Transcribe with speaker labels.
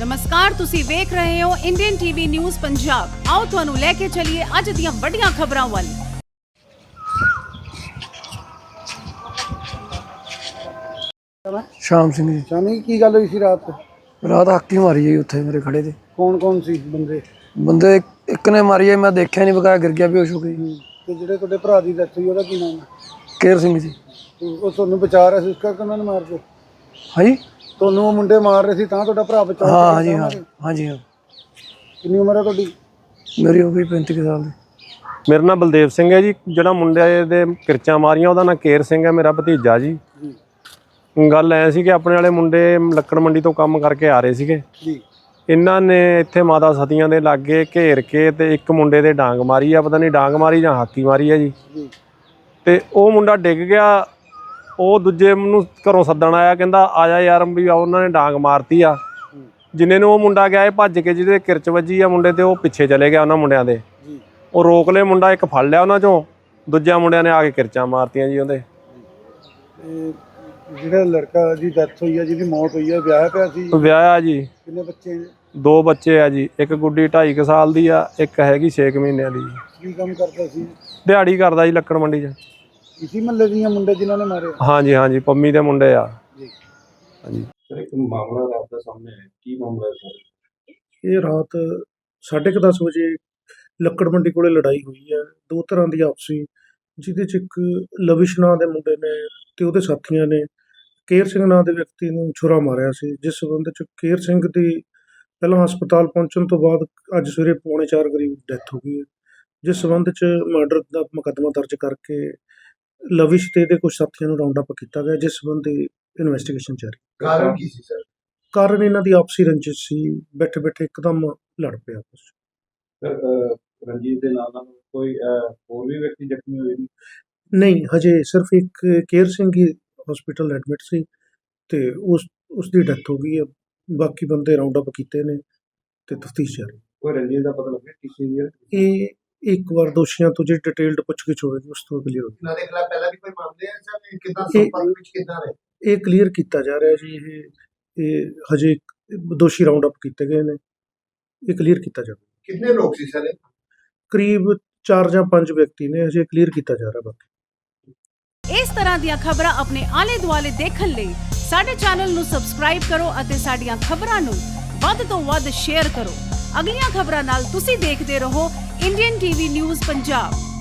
Speaker 1: नमस्कार, तुसी वेख रहे हो इंडियन टीवी न्यूज़ पंजाब। आओ तुहानू लेके चलिए अज दियां वड्डियां खबरां वल।
Speaker 2: शाम सिंह जी।
Speaker 3: शामी की गल हुई सी रात
Speaker 2: रात हाकी मारी है उत्थे मेरे खड़े थे।
Speaker 3: कौन सी बंदे
Speaker 2: बंदे एक ने मारी है, मैं देखा नहीं, बकाया गिर गया बेहोश हो गई।
Speaker 3: ते जेह्ड़े तुहाडे भरा दी डेथ हुई ओहदा की नाम है?
Speaker 2: केर सिंह जी।
Speaker 3: ਉਹ ਤੁਹਾਨੂੰ ਬਚਾ ਰਿਹਾ ਸੀ ਇਸ ਕਰਕੇ ਉਹਨਾਂ ਨੇ ਮਾਰ ਕੇ
Speaker 2: हाँ जी,
Speaker 3: ਤੁਹਾਨੂੰ ਉਹ ਮੁੰਡੇ ਮਾਰ ਰਹੇ ਸੀ ਤਾਂ ਤੁਹਾਡਾ ਭਰਾ ਬਚਾ
Speaker 2: हाँ हाँ जी, हाँ हाँ जी, हाँ।
Speaker 3: ਕਿੰਨੀ ਉਮਰ ਹੈ ਤੁਹਾਡੀ?
Speaker 2: मेरी हो गई 35 साल की।
Speaker 4: ਮੇਰਾ ਨਾਮ ਬਲਦੇਵ ਸਿੰਘ ਹੈ ਜੀ। ਜਿਹੜਾ ਮੁੰਡੇ ਦੇ ਕਿਰਚਾਂ ਮਾਰੀਆਂ ਉਹਦਾ ਨਾਮ ਕੇਰ ਸਿੰਘ ਹੈ, ਮੇਰਾ ਭਤੀਜਾ ਜੀ। ਗੱਲ ਐ ਸੀ ਕਿ ਆਪਣੇ ਵਾਲੇ ਮੁੰਡੇ ਲੱਕੜ ਮੰਡੀ ਤੋਂ ਕੰਮ ਕਰਕੇ ਆ ਰਹੇ ਸੀਗੇ
Speaker 3: ਜੀ।
Speaker 4: ਇਹਨਾਂ ਨੇ ਇੱਥੇ ਮਾਤਾ ਸਤੀਆਂ ਦੇ ਲਾਗੇ ਘੇਰ ਕੇ ਤੇ ਇੱਕ ਮੁੰਡੇ ਦੇ ਡਾਂਗ ਮਾਰੀ ਆ, ਪਤਾ ਨਹੀਂ ਡਾਂਗ ਮਾਰੀ ਜਾਂ ਹਾਕੀ ਮਾਰੀ ਆ ਜੀ। ਤੇ ਉਹ ਮੁੰਡਾ ਡਿੱਗ ਗਿਆ। ਉਹ ਦੂਜੇ ਨੂੰ ਘਰੋਂ ਸੱਦਣ ਆਇਆ, ਕਹਿੰਦਾ ਆ ਜਾ ਯਾਰ ਵੀ ਉਹਨਾਂ ਨੇ ਡਾਂਗ ਮਾਰਤੀ ਆ। ਜਿੰਨੇ ਨੂੰ ਉਹ ਮੁੰਡਾ ਗਿਆ ਇਹ ਭੱਜ ਕੇ ਜਿਹਦੇ ਕਿਰਚ ਵੱਜੀ ਆ ਮੁੰਡੇ ਤੇ ਉਹ ਪਿੱਛੇ ਚਲੇ ਗਿਆ ਉਹਨਾਂ ਮੁੰਡਿਆਂ ਦੇ। ਉਹ ਰੋਕ ਲਏ ਮੁੰਡਾ, ਇੱਕ ਫੜ ਲਿਆ ਉਹਨਾਂ ਚੋਂ, ਦੂਜਿਆਂ ਮੁੰਡਿਆਂ ਨੇ ਆ ਕੇ ਕਿਰਚਾਂ ਮਾਰਤੀਆਂ ਜੀ ਉਹਦੇ।
Speaker 3: ਜਿਹੜਾ ਲੜਕਾ ਦੀ ਡੈਥ ਹੋਈ ਹੈ, ਜਿਹਦੀ ਮੌਤ ਹੋਈ ਹੈ, ਵਿਆਹਿਆ ਪਿਆ ਸੀ?
Speaker 4: ਵਿਆਹਿਆ ਜੀ।
Speaker 3: ਕਿੰਨੇ ਬੱਚੇ ਨੇ?
Speaker 4: 2 ਬੱਚੇ ਆ ਜੀ। ਇੱਕ ਗੁੱਡੀ 2.5 ਸਾਲ ਦੀ ਆ, ਇੱਕ ਹੈਗੀ 6 ਮਹੀਨਿਆਂ ਦੀ।
Speaker 3: ਕੀ ਕੰਮ ਕਰਦਾ ਸੀ?
Speaker 4: ਦਿਹਾੜੀ ਕਰਦਾ ਜੀ ਲੱਕੜ ਮੰਡੀ 'ਚ।
Speaker 3: ਇਸੀ ਮਹੱਲੇ ਦੀਆਂ ਮੁੰਡੇ ਜਿਨ੍ਹਾਂ ਨੇ ਮਾਰੇ?
Speaker 4: ਹਾਂਜੀ ਹਾਂਜੀ, ਪੰਮੀ ਦੇ ਮੁੰਡੇ ਆ
Speaker 3: ਜੀ।
Speaker 4: ਹਾਂਜੀ।
Speaker 5: ਇੱਕ ਮਾਮਲਾ ਰਾਤ ਦਾ ਸਾਹਮਣੇ ਆਇਆ, ਕੀ ਮਾਮਲਾ ਹੈ ਸਰ?
Speaker 6: ਇਹ ਰਾਤ 10:30 ਵਜੇ ਲੱਕੜ ਮੰਡੀ ਕੋਲੇ ਲੜਾਈ ਹੋਈ ਹੈ ਦੋ ਤਰ੍ਹਾਂ ਦੀ ਆਪਸੀ, ਜਿਹਦੇ 'ਚ ਇੱਕ ਲਵਿਸ਼ ਨਾਂ ਦੇ ਮੁੰਡੇ ਨੇ ਤੇ ਉਹਦੇ ਸਾਥੀਆਂ ਨੇ ਕੇਰ ਸਿੰਘ ਨਾਂ ਦੇ ਵਿਅਕਤੀ ਨੂੰ ਛੁਰਾ ਮਾਰਿਆ ਸੀ, ਜਿਸ ਸਬੰਧ 'ਚ ਕੇਰ ਸਿੰਘ ਦੀ ਪਹਿਲਾਂ ਹਸਪਤਾਲ ਪਹੁੰਚਣ ਤੋਂ ਬਾਅਦ ਅੱਜ ਸਵੇਰੇ 3:45 ਕਰੀਬ ਡੈਥ ਹੋ ਗਈ ਹੈ, ਜਿਸ ਸਬੰਧ 'ਚ ਮਰਡਰ ਦਾ ਮੁਕੱਦਮਾ ਦਰਜ ਕਰਕੇ ਲਵਿਸ਼ ਤੇ ਇਹਦੇ ਕੁਝ ਸਾਥੀਆਂ ਨੂੰ ਰਾਉਂਡ ਅਪ ਕੀਤਾ ਗਿਆ, ਜਿਸ ਸਬੰਧੀ ਇਨਵੈਸਟੀਗੇਸ਼ਨ ਜਾਰੀ।
Speaker 5: ਕਾਰਨ ਕੀ ਸੀ ਸਰ?
Speaker 6: ਕਾਰਨ ਇਹਨਾਂ ਦੀ ਆਪਸੀ ਰੰਜਿਸ਼ ਸੀ, ਬੈਠੇ ਬੈਠੇ ਇੱਕਦਮ ਲੜ ਪਿਆ ਆਪਸ 'ਚ।
Speaker 5: ਸਰ ਰਣਜੀਤ ਦੇ ਨਾਲ ਕੋਈ ਹੋਰ ਵੀ ਵਿਅਕਤੀ ਜ਼ਖਮੀ ਹੋਏ ਨੇ?
Speaker 6: ਨਹੀਂ, ਹਜੇ ਸਿਰਫ ਇੱਕ ਕੇਰ ਸਿੰਘ ਹੀ ਹਸਪੀਟਲ ਐਡਮਿਟ ਸੀ ਤੇ ਉਸ ਦੀ ਡੈਥ ਹੋ ਗਈ ਹੈ। ਬਾਕੀ ਬੰਦੇ ਰਾਉਂਡ ਅਪ ਕੀਤੇ ਨੇ ਤੇ ਤਫਤੀਸ਼ ਜਾਰੀ।
Speaker 5: ਕੋਈ ਰਣਜੀਤ ਦਾ ਪਤਾ ਲੱਗਿਆ ਕਿਸੇ ਦੀ?
Speaker 6: ਇਹ ਇੱਕ ਵਾਰ ਦੋਸ਼ੀਆਂ ਤੋਂ ਜਿਹੜੀ ਡਿਟੇਲਡ ਪੁੱਛਗਿੱਛ ਹੋਵੇਗੀ ਉਸ ਤੋਂ ਕਲੀਅਰ ਹੋਵੇਗੀ।
Speaker 5: ਇਹਨਾਂ ਦੇ ਖਿਲਾਫ ਪਹਿਲਾਂ ਵੀ ਕੋਈ ਮਾਮਲੇ ਹੈ ਸਰ? ਕਿੱਦਾਂ ਸੰਪਰਕ ਵਿੱਚ ਕਿੱਦਾਂ ਰਹੇ?
Speaker 6: ਇਹ ਕਲੀਅਰ ਕੀਤਾ ਜਾ ਰਿਹਾ ਜੀ। ਇਹ ਹਜੇ ਦੋਸ਼ੀ ਰਾਉਂਡ ਅਪ ਕੀਤੇ ਗਏ ਨੇ, ਇਹ ਕਲੀਅਰ ਕੀਤਾ ਜਾਵੇਗਾ।
Speaker 5: ਕਿੰਨੇ ਲੋਕ ਸੀ ਸਰ?
Speaker 6: ਕਰੀਬ 4 ਜਾਂ 5 ਵਿਅਕਤੀ ਨੇ, ਹਜੇ ਕਲੀਅਰ ਕੀਤਾ ਜਾ ਰਿਹਾ। ਬਾਕੀ
Speaker 1: इस तरह ਦੀਆਂ ਖਬਰਾਂ ਆਪਣੇ ਆਲੇ ਦੁਆਲੇ ਦੇਖਣ ਲਈ ਸਾਡੇ ਚੈਨਲ ਨੂੰ ਸਬਸਕ੍ਰਾਈਬ ਕਰੋ ਅਤੇ ਸਾਡੀਆਂ ਖਬਰਾਂ ਨੂੰ ਵੱਧ ਤੋਂ ਵੱਧ ਸ਼ੇਅਰ ਕਰੋ। ਅਗਲੀਆਂ ਖਬਰਾਂ ਨਾਲ ਤੁਸੀਂ ਦੇਖਦੇ ਰਹੋ ਇੰਡੀਅਨ ਟੀਵੀ ਨਿਊਜ਼ ਪੰਜਾਬ।